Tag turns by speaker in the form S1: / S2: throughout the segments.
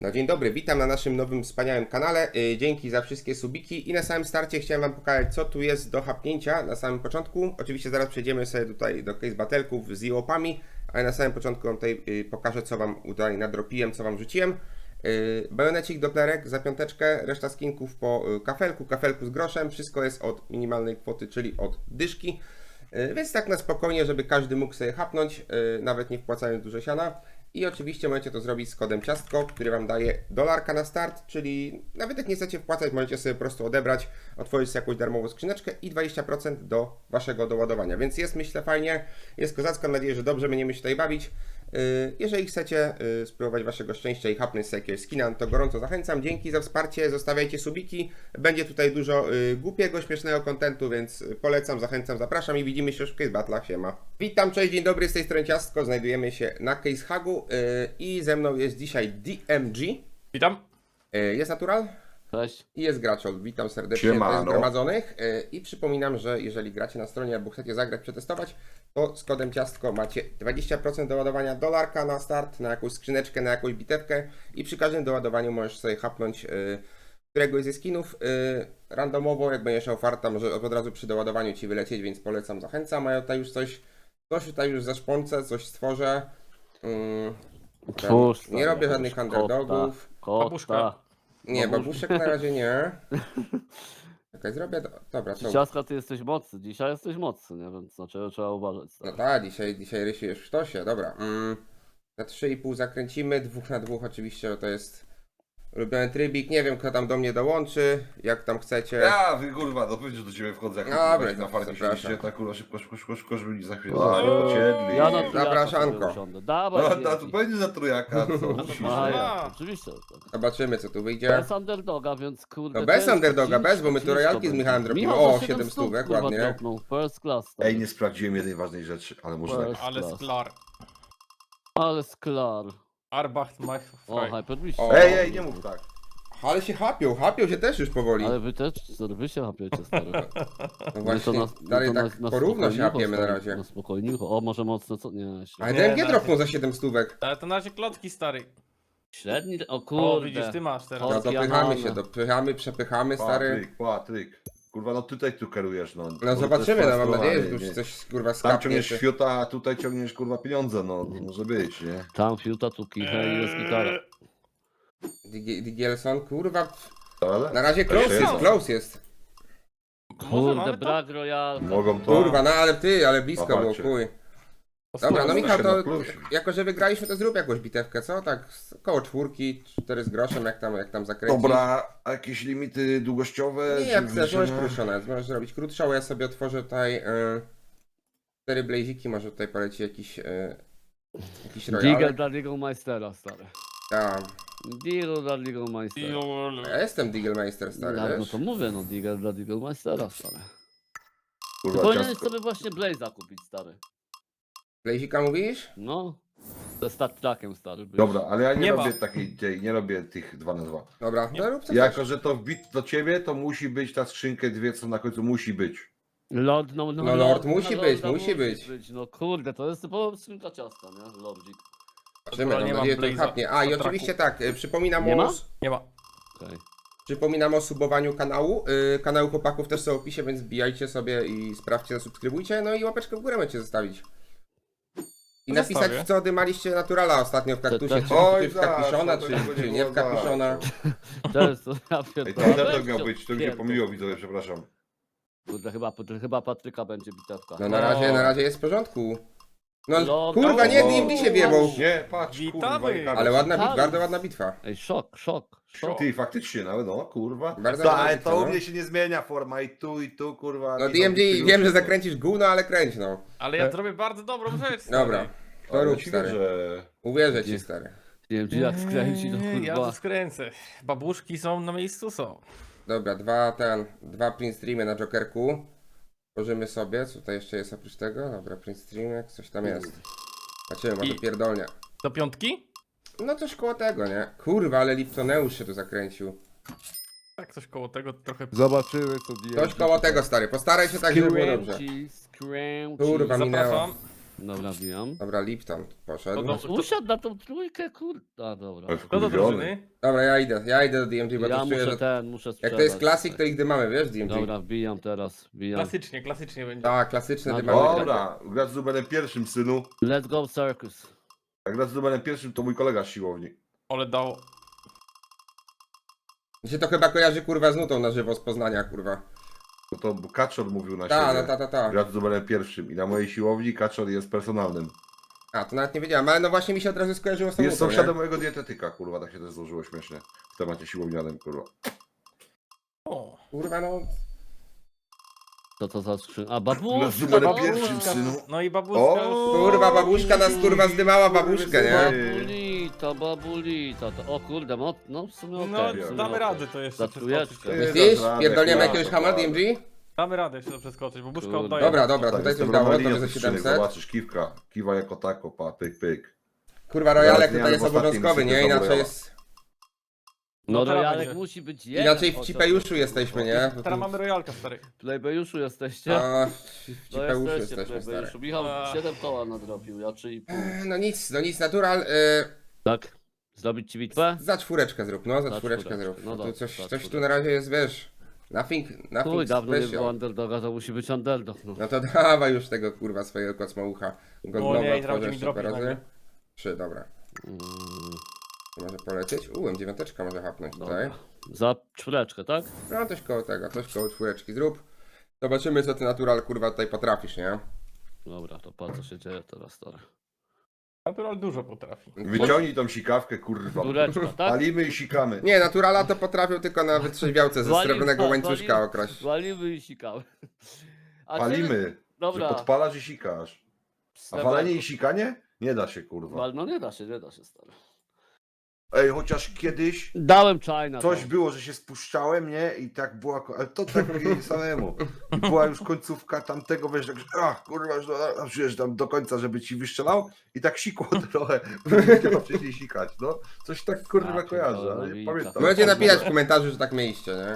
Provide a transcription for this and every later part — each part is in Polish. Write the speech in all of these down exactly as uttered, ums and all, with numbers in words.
S1: No dzień dobry, witam na naszym nowym wspaniałym kanale. Yy, dzięki za wszystkie subiki i na samym starcie chciałem Wam pokazać, co tu jest do hapnięcia na samym początku. Oczywiście zaraz przejdziemy sobie tutaj do case battle'ków z jełopami, ale na samym początku Wam tutaj yy, pokażę, co Wam tutaj nadropiłem, co Wam rzuciłem. Yy, bajonecik, doplerek za piąteczkę, reszta skinków po yy, kafelku, kafelku z groszem. Wszystko jest od minimalnej kwoty, czyli od dyszki. Yy, więc tak na spokojnie, żeby każdy mógł sobie hapnąć, yy, nawet nie wpłacając dużo siana. I oczywiście możecie to zrobić z kodem ciastko, który Wam daje dolarka na start, czyli nawet jak nie chcecie wpłacać, możecie sobie po prostu odebrać, otworzyć sobie jakąś darmową skrzyneczkę i dwadzieścia procent do Waszego doładowania. Więc jest, myślę, fajnie, jest kozacko, mam nadzieję, że dobrze będziemy się tutaj bawić. Jeżeli chcecie spróbować Waszego szczęścia i hapnąć sobie jakiegoś skina, to gorąco zachęcam. Dzięki za wsparcie, zostawiajcie subiki. Będzie tutaj dużo głupiego, śmiesznego kontentu, więc polecam, zachęcam, zapraszam i widzimy się już w Case Battle'ach. Siema. Witam, cześć, dzień dobry, z tej strony Ciastko. Znajdujemy się na Case Hagu i ze mną jest dzisiaj D M G.
S2: Witam.
S1: Jest Natural.
S3: Cześć.
S1: I jest Graczol. Witam serdecznie
S4: Siemano.
S1: zgromadzonych. I przypominam, że jeżeli gracie na stronie albo chcecie zagrać, przetestować, to z kodem ciastko macie dwadzieścia procent doładowania dolarka na start, na jakąś skrzyneczkę, na jakąś bitewkę i przy każdym doładowaniu możesz sobie hapnąć y, któregoś ze skinów y, randomowo, jak będziesz miał farta, może od razu przy doładowaniu Ci wylecieć, więc polecam, zachęcam. A ja tutaj już coś, coś tutaj już zaszpącę, coś stworzę. Y,
S3: Twórz
S1: nie robię żadnych underdogów.
S3: Kota.
S2: Babuszka.
S1: Nie, babuszek na razie nie. Czekaj, zrobię. Do... Dobra, to.
S3: Ciastka, ty jesteś mocny. Dzisiaj jesteś mocny, nie? Więc na czego trzeba uważać.
S1: No tak, dzisiaj, dzisiaj rysujesz w sztosie, dobra. Mm, na trzy i pół zakręcimy, dwóch na dwóch oczywiście, bo to jest ulubiony trybik. Nie wiem, kto tam do mnie dołączy, jak tam chcecie.
S4: Ja, wy kurwa, no pewnie, że do ciebie wchodzę, jak
S1: Dobra,
S4: kurwa, na farcie
S1: zapraszam.
S4: siedzicie, tak kurwa, szybko, szybko, szybko, szybko, żeby mi za chwilę
S3: O,
S4: ociedli.
S3: Ja na
S1: Zapraszanko.
S3: trójaka sobie usiądę. Dawaj,
S4: No,
S3: no,
S4: to będzie za trójaka, co? Musisz,
S3: A,
S4: nie?
S3: ja, oczywiście. Tak.
S1: Zobaczymy, co tu wyjdzie.
S3: Bez underdoga, więc kurde.
S1: No bez
S3: ciężko,
S1: underdoga,
S3: ciężko,
S1: bez, bo my tu
S3: ciężko
S1: royalki z
S3: będzie.
S1: Michałem dropimy.
S3: Michał
S1: O,
S3: za
S1: siedem
S3: stów,
S1: stówek,
S3: kurwa,
S1: ładnie.
S3: dropnął. First class. tak.
S4: Ej, nie sprawdziłem jednej ważnej rzeczy, ale może tak.
S3: First
S2: Ale
S3: class.
S2: sklar.
S3: Ale sklar.
S2: Arbach mach
S3: O,
S2: frei.
S3: hypermistrz.
S1: O.
S4: Ej, ej, nie mów tak.
S1: Ale się hapią, hapią się też już powoli.
S3: Ale wy też, stary, wy się hapiecie, stary.
S1: No właśnie,
S3: My
S1: dalej
S3: my
S1: tak porówno się
S3: spokojniucho,
S1: hapiemy na
S3: stary,
S1: razie.
S3: Na spokojniucho. O, może mocno, co? Nie,
S1: Ale
S3: średni.
S1: D M G
S2: na
S1: dropnął
S2: razie.
S1: za siedem stówek.
S2: Ale to na razie klocki, stary.
S3: Średni, o
S2: O,
S3: kurde.
S2: widzisz, ty masz teraz.
S1: No
S3: O,
S1: dopychamy
S3: Pianone.
S1: się, dopychamy, przepychamy, stary.
S4: Patryk, Patryk. Kurwa, no tutaj tu kierujesz, no.
S1: No zobaczymy, no mam nadzieję, że tu
S4: nie.
S1: już coś kurwa
S4: Tam
S1: skapnie.
S4: ciągniesz
S1: czy-
S4: fiuta, a tutaj ciągniesz kurwa pieniądze, no. Może być, nie?
S3: Tam fiuta, tu kicha i jest gitara.
S1: Digi- Digielson, kurwa.
S4: Ale?
S1: Na razie close
S4: Jeszcze
S1: jest,
S4: jest.
S1: close jest.
S2: Może
S3: Kurde,
S2: mamy to?
S3: brak royal.
S4: Mogą to.
S1: Kurwa, no ale ty, ale blisko było,
S4: Popatrzcie.
S1: chuj.
S2: To
S1: Dobra, no
S2: spoko.
S1: Michał, to
S4: na plusie.
S1: jako, że wygraliśmy, to zrób jakąś bitewkę, co? Tak z- koło czwórki, cztery z groszem, jak tam, jak tam zakręcić.
S4: Dobra, a jakieś limity długościowe?
S1: Nie,
S4: czy
S1: jak chcesz, możesz
S4: wyliczenia?
S1: krótszą nawet, możesz zrobić krótszą, ja sobie otworzę tutaj y, cztery blaziki, może tutaj poleci jakiś, y, jakiś
S3: Digel
S1: royal.
S3: dla Legal Meistera, stary.
S1: Ja,
S3: Digel dla Legal Meistera.
S2: Jol.
S1: ja jestem Digelmeister, stary,
S3: No, no
S1: wiesz?
S3: to mówię, no Digel dla Legal Meistera, stary. Ty
S4: Kurwa,
S3: powinieneś
S4: ciastko.
S3: sobie właśnie Blaze'a kupić, stary.
S1: Blazika mówisz?
S3: No. Ze Star Trekiem, stary. byś.
S4: Dobra, ale ja nie,
S2: Nie
S4: robię
S2: ma.
S4: takiej, tej, nie robię tych dwa na dwa.
S1: Dobra,
S2: Nie.
S1: no rób co
S4: Jako,
S1: chcesz.
S4: że to wbit do ciebie, to musi być ta skrzynkę dwie, co na końcu musi być.
S3: Lord, no, no,
S1: No, Lord
S3: no,
S1: musi
S3: no,
S1: być,
S3: Lorda
S1: musi być.
S3: No kurde, to jest typowa skrzynka ciasta, nie? Lordzik.
S1: Zobaczymy,
S2: nie
S1: mam
S2: mam
S1: nadzieję, że to
S2: Blaze'a
S1: chapnie. A, i
S2: na traku.
S1: oczywiście tak, y, przypominam
S3: Nie
S1: o...
S3: ma?
S2: Nie ma.
S3: Okej.
S1: Przypominam o subowaniu kanału. Yy, kanały chłopaków też są w opisie, więc wbijajcie sobie i sprawdźcie, zasubskrybujcie. No i łapeczkę w górę możecie zostawić. I napisać,
S2: Zostawię.
S1: w co dymaliście Naturala ostatnio w kaktusie,
S3: to-
S1: czy,
S4: Oj,
S1: czy w
S4: tak,
S1: kapiszona,
S4: to
S1: czy,
S4: tego nie
S1: czy nie w
S4: było,
S1: kapiszona.
S3: To jest to, ja
S4: Ej,
S3: pierdolę.
S4: to
S3: Weź
S4: underdog miał
S3: to,
S4: być, to mi się
S3: pierdol.
S4: pomyliło, widzowie, przepraszam.
S3: Kurde, chyba, chyba Patryka będzie bitewka.
S1: No na razie, na razie jest w porządku. No
S3: No,
S1: kurwa, nie,
S4: no,
S1: D M D się wiebał.
S4: Nie, patrz,
S2: Witamy.
S4: kurwa, nie
S1: Ale ładna
S3: Ciekawe.
S1: bitwa, bardzo ładna bitwa.
S3: Ej, szok, szok, szok.
S4: Ty, faktycznie, nawet no, kurwa.
S1: Bardzo
S4: To,
S1: ładna
S4: ale
S1: bitwa,
S4: to u
S1: no.
S4: mnie się nie zmienia forma i tu, i tu, kurwa.
S1: No
S4: i
S1: D M D,
S4: i tu,
S1: wiem, że
S4: wszystko.
S1: zakręcisz gówno, ale kręć no.
S2: Ale ja zrobię bardzo dobrą rzecz, stary.
S1: Dobra, to
S4: Ale
S1: rób
S4: ci
S1: stary.
S4: wierzę.
S1: Uwierzę ci
S3: Nie.
S1: stary.
S3: Nie wiem, czy jak skręci, to
S2: Eee, Ja
S3: kurwa.
S2: tu skręcę. Babuszki są na miejscu, są.
S1: Dobra, dwa ten, dwa print streamy na Jokerku. Tworzymy sobie, co tutaj jeszcze jest oprócz tego? Dobra, print streamek, coś tam jest. Zobaczymy, może
S2: I-
S1: pierdolnie.
S2: Do piątki?
S1: No coś koło tego, nie? Kurwa, ale Liptoneusz się tu zakręcił.
S2: Tak, coś koło tego trochę.
S5: Zobaczymy co D M G.
S1: Coś koło tego, stary, postaraj się tak, żeby było dobrze.
S3: Skręci, skręci.
S1: Kurwa, minęło.
S2: Zapraszam.
S3: Dobra, wbijam.
S1: Dobra, Lipton poszedł.
S2: No,
S3: No, usiadł na tą trójkę, kurde. A, dobra.
S4: Ale
S2: Kto do
S4: wkurwiony.
S2: drużyny?
S1: Dobra, ja idę, ja idę do D M G, bo
S3: Ja
S1: to czuję,
S3: muszę
S1: że...
S3: ten, muszę
S1: Jak
S3: sprzedać.
S1: to jest klasik, to nigdy mamy, wiesz, D M G?
S3: Dobra, wbijam teraz, wbijam.
S2: Klasycznie, klasycznie będzie.
S1: Tak, klasyczne
S3: No
S1: dymamy.
S4: Dobra, grać z numerem pierwszym, synu.
S3: Let's go circus.
S4: Jak grać z numerem pierwszym, to mój kolega z siłowni.
S2: Ale dało.
S1: Mi się to chyba kojarzy, kurwa, z nutą na żywo z Poznania, kurwa.
S4: No to Kaczor mówił na
S1: Ta,
S4: siebie.
S1: no ta, ta, ta.
S4: Grać z numerem pierwszym. I na mojej siłowni Kaczor jest personalnym.
S1: A, to nawet nie wiedziałem, ale no właśnie mi się od razu skojarzyło z tą
S4: Jest
S1: nutą,
S4: sąsiadem
S1: nie?
S4: mojego dietetyka, kurwa, tak się też złożyło śmiesznie. W temacie siłownianym, kurwa.
S2: O,
S1: Kurwa, no...
S3: Co to za skrzyn... A,
S4: Na
S3: babuszka,
S4: numerem
S3: babuszka.
S4: pierwszym, synu.
S2: no i babuszka
S4: O!
S2: już...
S1: Kurwa, babuszka nas, kurwa, zdymała babuszkę, nie?
S3: Babulita, babulita. To, o kurde, no, no w sumie okej.
S2: No,
S3: w sumie
S2: damy
S3: okej.
S2: radę to jeszcze
S3: Za
S2: przeskoczyć.
S3: trójeczkę.
S4: Ty,
S1: Myślisz?
S4: dasz radę,
S1: Pierdolniemy
S4: kurwa,
S1: jakiegoś hama D M G?
S2: Damy radę jeszcze to przeskoczyć, babuszka
S3: Kurde.
S2: oddaje.
S1: Dobra, dobra,
S4: Tak,
S1: tutaj coś
S4: jestem
S1: dało, to
S4: Ronaldinho
S1: za
S4: z skrzynek,
S1: siedemset.
S4: Zobaczysz, kiwka. Kiwa jako tako, pa, pyk, pyk.
S1: Kurwa, rojalek
S4: Zaraz
S1: tutaj jest
S4: nie, w ostatnim
S1: obowiązkowy, nie?
S4: sypie
S1: Inaczej
S4: Royala.
S1: jest...
S3: No
S2: No teraz
S3: rojalek
S2: będzie.
S3: musi być jeden.
S1: Inaczej
S3: O,
S1: w
S3: to-
S1: Cipejuszu jesteśmy, nie? Bo
S2: Teraz
S1: tu-
S2: mamy rojalka, stary.
S3: W Playbejuszu jesteście?
S1: A, w
S3: No
S1: Cipejuszu
S3: jesteście w
S1: jesteśmy, stary.
S3: Playbejuszu. Michał
S2: A.
S3: siedem koła nadrobił, ja trzy i pół.
S1: No nic, no nic, natural. Y,
S3: Tak? Zrobić ci bitwę?
S1: za czwóreczkę zrób, no, za,
S3: Za
S1: czwóreczkę
S3: czwóreczkę,
S1: zrób.
S3: no
S1: No to
S3: dobra,
S1: coś,
S3: za
S1: coś tu
S3: czwóreczkę.
S1: na razie jest, wiesz, nothing, nothing
S3: Chuj, dawno nie było
S1: special.
S3: underdoga, to musi być underdog. No.
S1: No to dawaj już tego, kurwa, swojego kocmoucha.
S2: O
S1: Goldowa
S2: nie, i zaraz
S1: otworzę
S2: mi
S1: jeszcze
S2: dropi
S1: parę razy.
S2: nagle.
S1: Trzy, dobra.
S3: Mm,
S1: Może polecieć? Ułem, dziewiąteczka może hapnąć tutaj.
S3: dobra. Za czwóreczkę, tak?
S1: No coś koło tego, coś koło czwóreczki zrób. Zobaczymy, co ty natural, kurwa, tutaj potrafisz, nie?
S3: Dobra, to patrz co się dzieje teraz, stary.
S2: Natural dużo potrafi.
S4: Wyciągnij tą sikawkę, kurwa.
S3: Czwóreczka, tak?
S4: Palimy i sikamy.
S1: Nie, naturala to potrafił tylko na wytrzeźwiałce ze
S3: Wali-
S1: srebrnego
S3: wa-
S1: łańcuszka
S3: wali-
S1: okraść.
S3: Walimy i sikamy. A
S4: Palimy. Że
S3: Dobra.
S4: podpalasz i sikasz. A
S3: Sreberko.
S4: walenie i sikanie? Nie da się, kurwa.
S3: Wal, no nie da się, nie da się, stary.
S4: Ej, chociaż kiedyś
S3: Dałem China.
S4: coś
S3: to.
S4: było, że się spuszczałem, nie? I tak była, ko- ale to tak samemu. I była już końcówka tamtego, wiesz, tak, ach, kurwa, już do- czujesz tam do końca, żeby ci wystrzelał i tak sikło trochę, trzeba wcześniej sikać, no. Coś tak, kurwa,
S3: A,
S4: kojarzę,
S3: pierdolę,
S4: ale nie
S3: wilka.
S4: pamiętam.
S1: Możecie napisać w komentarzu, że tak mieliście, nie?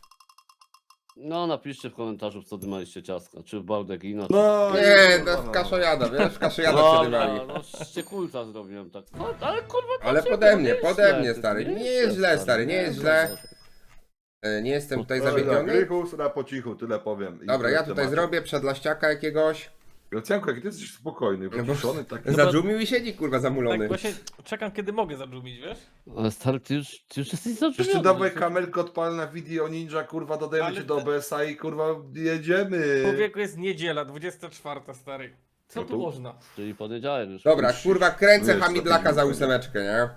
S3: No napiszcie w komentarzu, w co dymaliście ciastka. Czy w Baldegina, czy...
S4: No,
S1: Nie,
S4: kurwa,
S1: to w
S4: no.
S1: kaszojada, wiesz? W kaszojada
S3: Dobra,
S1: przydywali.
S3: no ściekulca zrobiłem tak. No, ale kurwa,
S1: Ale
S3: dlaczego?
S1: pode mnie,
S3: Nie jest
S1: pode
S3: źle,
S1: mnie,
S3: ty-
S1: stary. Nie jest źle, stary, nie jest źle. E, Nie jestem tutaj
S4: Dobra,
S1: zawiedziony.
S4: Grychus na po cichu, tyle powiem. I
S1: Dobra,
S4: tyle
S1: ja
S4: w
S1: tutaj
S4: temacie.
S1: zrobię przedlaściaka jakiegoś.
S4: Gracjanko, jak ty jesteś spokojny,
S1: No bo-
S4: wyciszony, taki...
S1: Zadżumił i siedzi, kurwa,
S2: Tak
S1: zamulony.
S2: właśnie czekam, kiedy mogę zadżumić, wiesz?
S3: Ale stary, ty już, ty już jesteś zaczynany.
S4: Jeszcze dawaj kamerkę odpal na video ninja, kurwa, dodajemy
S2: Ale
S4: cię do
S2: te-
S4: O B S a i kurwa jedziemy.
S2: Człowieku, jest niedziela, dwudziesta czwarta, stary. Co
S4: No
S2: tu
S4: tu-
S2: można?
S3: Czyli poniedziałek już.
S1: Dobra,
S4: Już-
S1: kurwa, kręcę
S4: wiesz,
S1: hamidlaka
S4: strategię
S1: za
S4: będzie.
S1: ósemeczkę, nie?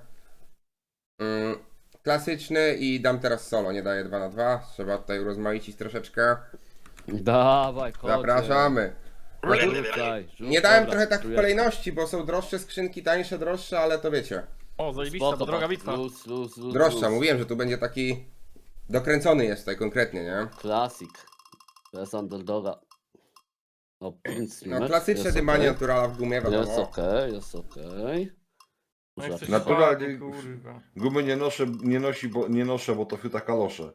S1: Mm, klasyczny i dam teraz solo, nie daję dwa na dwa. Trzeba tutaj urozmaicić troszeczkę.
S3: Dawaj, kocie.
S1: Zapraszamy.
S3: Rzucaj, rzucaj.
S1: Nie dałem
S3: Dobra,
S1: trochę tak w
S3: trójeczka.
S1: kolejności, bo są droższe skrzynki, tańsze, droższe, ale to wiecie.
S2: O, zajebista,
S3: Spoko,
S2: to droga
S3: patrz,
S2: bitwa.
S3: Luz, luz, luz,
S1: Droższa,
S3: luz.
S1: mówiłem, że tu będzie taki dokręcony jest tutaj konkretnie, nie?
S3: Klasik. Bez underdoga. No, pięć
S1: No klasyczne dymanie naturala w gumie,
S3: Jest
S1: wiadomo.
S3: okej, jest okej.
S2: No jak coś
S4: Naturalnie-
S2: spadnie, kurwa.
S4: Gumy nie noszę, nie nosi, bo nie noszę, bo to fiuta kalosze.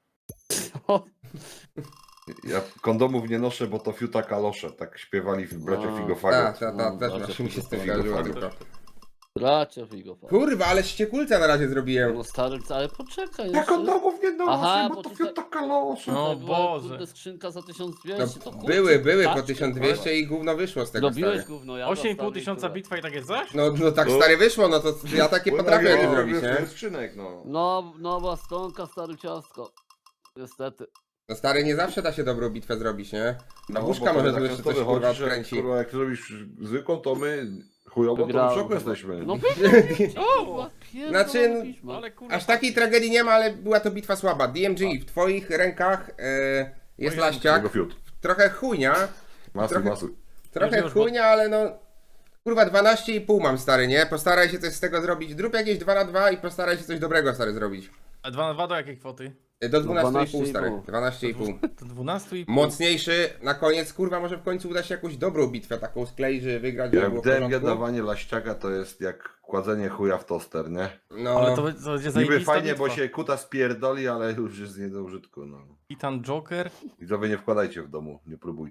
S4: Ja kondomów nie noszę, bo to fiuta kalosze. Tak śpiewali w bracia
S3: No.
S1: Tak,
S4: Figofagot.
S1: ta, ta,
S3: No,
S1: też
S3: bardzo
S1: właśnie mi się z tym
S4: figo,
S1: skojarzyło
S4: figo.
S1: tylko.
S3: Bracia figo.
S1: Kurwa, ale ściekulca na razie zrobiłem.
S3: No stary, ale poczekaj
S4: Ja
S3: jeszcze.
S4: kondomów nie noszę,
S3: Aha,
S4: bo
S3: bo
S4: to
S3: tutaj-
S4: fiuta kalosze.
S2: No
S3: Tutaj była,
S2: Boże.
S3: Kurde, skrzynka za tysiąc
S1: No,
S3: dwieście, to kurczę,
S1: były, były po
S3: taczkę,
S1: tysiąc dwieście i gówno wyszło z tego,
S3: Robiłeś
S1: stary.
S3: gówno, ja
S2: osiem i pół
S3: dostałem
S2: tysiąca
S3: tyle.
S2: bitwa i takie coś?
S1: No, no tak
S4: No.
S1: stary wyszło, no to ja takie
S4: Bo
S1: potrafię
S4: tak,
S1: nie
S4: no,
S1: zrobić,
S4: wiesz,
S1: nie?
S4: skrzynek, no.
S3: No, nowa stonka, stary ciastko. Niestety.
S1: No stary, nie zawsze da się dobrą bitwę zrobić, nie? Na
S4: No,
S1: łóżka
S4: bo to
S1: może
S4: tak
S1: tu jeszcze
S4: często
S1: coś
S4: wychodzi,
S1: kurwa
S4: że,
S1: odkręci.
S4: Kurwa, jak zrobisz zwykłą, to my chujową, to w
S3: Wygrałem.
S4: szoku jesteśmy.
S3: No
S2: O!
S1: Znaczy,
S2: Ale kurwa.
S1: Aż takiej tragedii nie ma, ale była to bitwa słaba. D M G, w twoich rękach e, jest
S2: Moje-
S4: Tego
S1: laściak.
S4: fiut.
S1: Trochę chujnia,
S4: Masuj,
S1: Trochę-
S4: masuj.
S1: trochę
S2: Już, już, bo-
S1: chujnia, ale no... Kurwa, dwanaście i pół mam, stary, nie? Postaraj się coś z tego zrobić. Zrób jakieś dwa na dwa i postaraj się coś dobrego, stary, zrobić.
S2: A dwa na dwa do jakiej kwoty?
S1: E, Do dwunastu i pół,
S3: dwanaście i
S1: stary.
S3: pół.
S1: dwanaście i pół.
S2: To dwunastu i pół.
S1: Mocniejszy na koniec, kurwa, może w końcu uda się jakąś dobrą bitwę taką skleić, żeby wygrać, żeby
S4: Jak
S1: było
S4: w
S1: w
S4: D M G
S1: porządku.
S4: dawanie laściaka to jest jak kładzenie chuja w toster, nie?
S1: No,
S2: Ale to, to będzie
S4: Niby
S2: zajebista
S4: fajnie,
S2: bitwa.
S4: bo się kuta spierdoli, ale już jest nie do użytku, no.
S2: Titan Joker.
S4: Widzowie, nie wkładajcie w domu, nie próbujcie.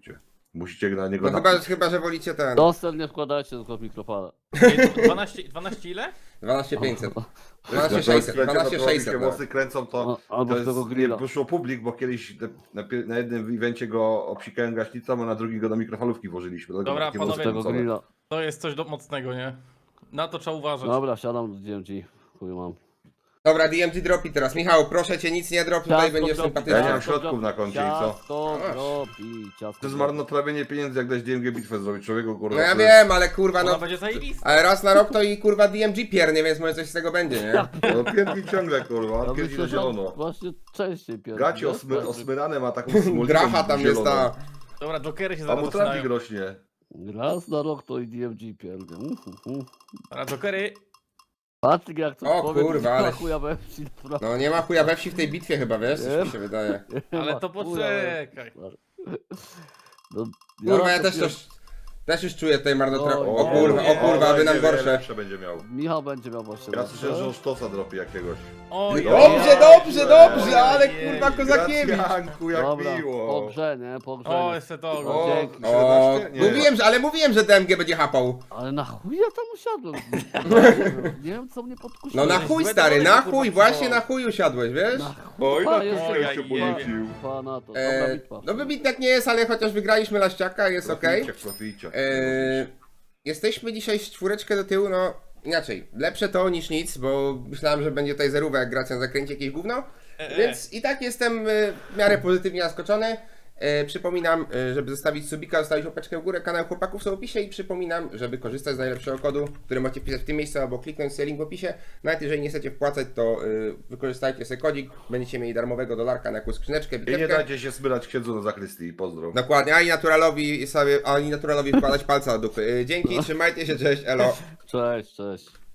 S4: Musicie na niego
S1: No chyba,
S4: napić.
S1: chyba, że wolicie ten.
S3: Dostęp nie wkładajcie tylko w mikrofala.
S2: Ej, dwanaście, dwanaście ile?
S1: dwanaście pięćset.
S4: Jak
S1: dwanaście
S4: to
S1: sześćset.
S4: skręcie, to
S1: dwanaście
S4: robi się
S1: sześćset.
S4: Włosy kręcą, to,
S3: O, albo
S4: to
S3: z
S4: jest,
S3: tego
S4: nie,
S3: grilla.
S4: wyszło publik, bo kiedyś na, na, pie- na jednym evencie go obsikałem gaśnicą, a na drugim go do mikrofalówki włożyliśmy. dlatego
S2: Dobra,
S4: takie
S2: panowie,
S4: włosy
S3: Tego
S4: kręcone.
S3: grilla.
S2: To jest coś do, mocnego, nie? Na to trzeba uważać.
S3: Dobra, siadam do D M G. Chuj mam.
S1: Dobra, D M G dropi teraz. Michał, proszę cię, nic nie drop, tutaj będziesz
S3: dropi,
S1: sympatyczny.
S4: Ja nie mam
S3: ciasto
S4: środków na koncie i co?
S3: Ciasto
S1: Masz.
S3: dropi, ciasto
S4: To jest
S3: dropi.
S4: marnotrawienie pieniędzy, jak dać D M G bitwę zrobić człowieku, kurwa.
S1: No ja
S4: to jest-
S1: wiem, ale kurwa
S2: Ona
S1: no.
S2: będzie zajebista.
S1: Ale raz na rok to i kurwa D M G piernie, więc może coś z tego będzie, nie?
S4: No pierdzi ciągle, kurwa,
S3: Ja
S4: on pierdzi
S3: myślę,
S4: na
S3: że on
S4: zielono.
S3: właśnie częściej pierdzi.
S4: Gacie
S3: wiesz?
S4: osmy,
S3: Tak,
S4: osmyrane ma taką smoliną
S1: Dracha tam jest
S4: zieloną.
S1: ta.
S2: Dobra, jokery się
S4: A
S2: zaraz
S4: mu trafik
S2: zaczynają.
S4: rośnie.
S3: Raz na rok to i D M G pierdzi. Uh, uh, uh.
S2: Dobra, jokery.
S3: Patryk jak coś
S1: O
S3: powie,
S1: kurwa,
S3: to
S1: ale-
S3: chuja we wsi, naprawdę.
S1: No nie ma chuja we wsi w tej bitwie chyba, wiesz? Coś mi się wydaje.
S2: Ale to
S3: Chuja we
S2: poczekaj.
S3: wsi. No,
S1: Kurwa, ja
S3: to
S1: też
S3: pier-
S1: coś. Też już czuję tutaj marnotrawienie.
S3: O,
S1: O kurwa, o
S2: nie,
S1: kurwa, aby nam
S4: nie, nie,
S1: gorsze.
S4: lepsze będzie miał.
S3: Michał będzie miał właśnie.
S4: Ja
S3: lepsze.
S4: słyszałem, że on sztosa dropi jakiegoś.
S2: Oj,
S1: Dobrze,
S2: oj,
S1: dobrze,
S2: oj,
S1: dobrze, ale
S2: oj,
S1: kurwa
S2: oj.
S1: Kozakiewicz.
S4: Gracjanku, jak
S3: Dobra,
S4: miło.
S3: po grze, nie? Po grze.
S2: O,
S3: nie.
S2: jeszcze to.
S4: O,
S3: Dzięki.
S1: O,
S4: siedemnaście? Nie.
S1: mówiłem, że, ale mówiłem, że D M G będzie hapał.
S3: Ale na chuj ja tam usiadłem. Nie wiem co mnie podkusiło.
S1: No na
S2: Żeś
S1: chuj
S2: złe
S1: stary,
S2: demony,
S1: na
S2: kurwa,
S1: chuj, właśnie
S2: przywołał.
S1: na chuj usiadłeś, wiesz?
S3: Na chuj.
S4: Oj,
S3: Pa,
S4: na
S3: jeszcze
S2: chuj,
S4: się
S2: ja
S4: podrzucił.
S3: Pa na to. Dobra
S1: E,
S3: bitwa.
S1: no wybitnek nie jest, ale chociaż wygraliśmy laściaka, jest okej.
S4: Proficie, proficie.
S1: E, Jesteśmy dzisiaj z czwóreczkę do tyłu, no inaczej, lepsze to niż nic, bo myślałem, że będzie tutaj zerówka, jak Gracjan zakręci jakieś gówno,
S2: E, e.
S1: więc i tak jestem e, w miarę pozytywnie zaskoczony. E, przypominam, e, żeby zostawić subika, zostawić łapeczkę w górę, kanał chłopaków są w opisie i przypominam, żeby korzystać z najlepszego kodu, który macie wpisać w tym miejscu albo kliknąć sobie link w opisie. Nawet jeżeli nie chcecie wpłacać, to e, wykorzystajcie sobie kodzik, będziecie mieli darmowego dolarka na jakąś skrzyneczkę,
S4: I nie
S1: bitewkę.
S4: dajcie się smyrać księdzu na zakrystii. Pozdro.
S1: Dokładnie, ani naturalowi sobie, ani naturalowi wkładać palca do dupy. E, Dzięki, trzymajcie się, cześć, elo.
S3: Cześć, cześć.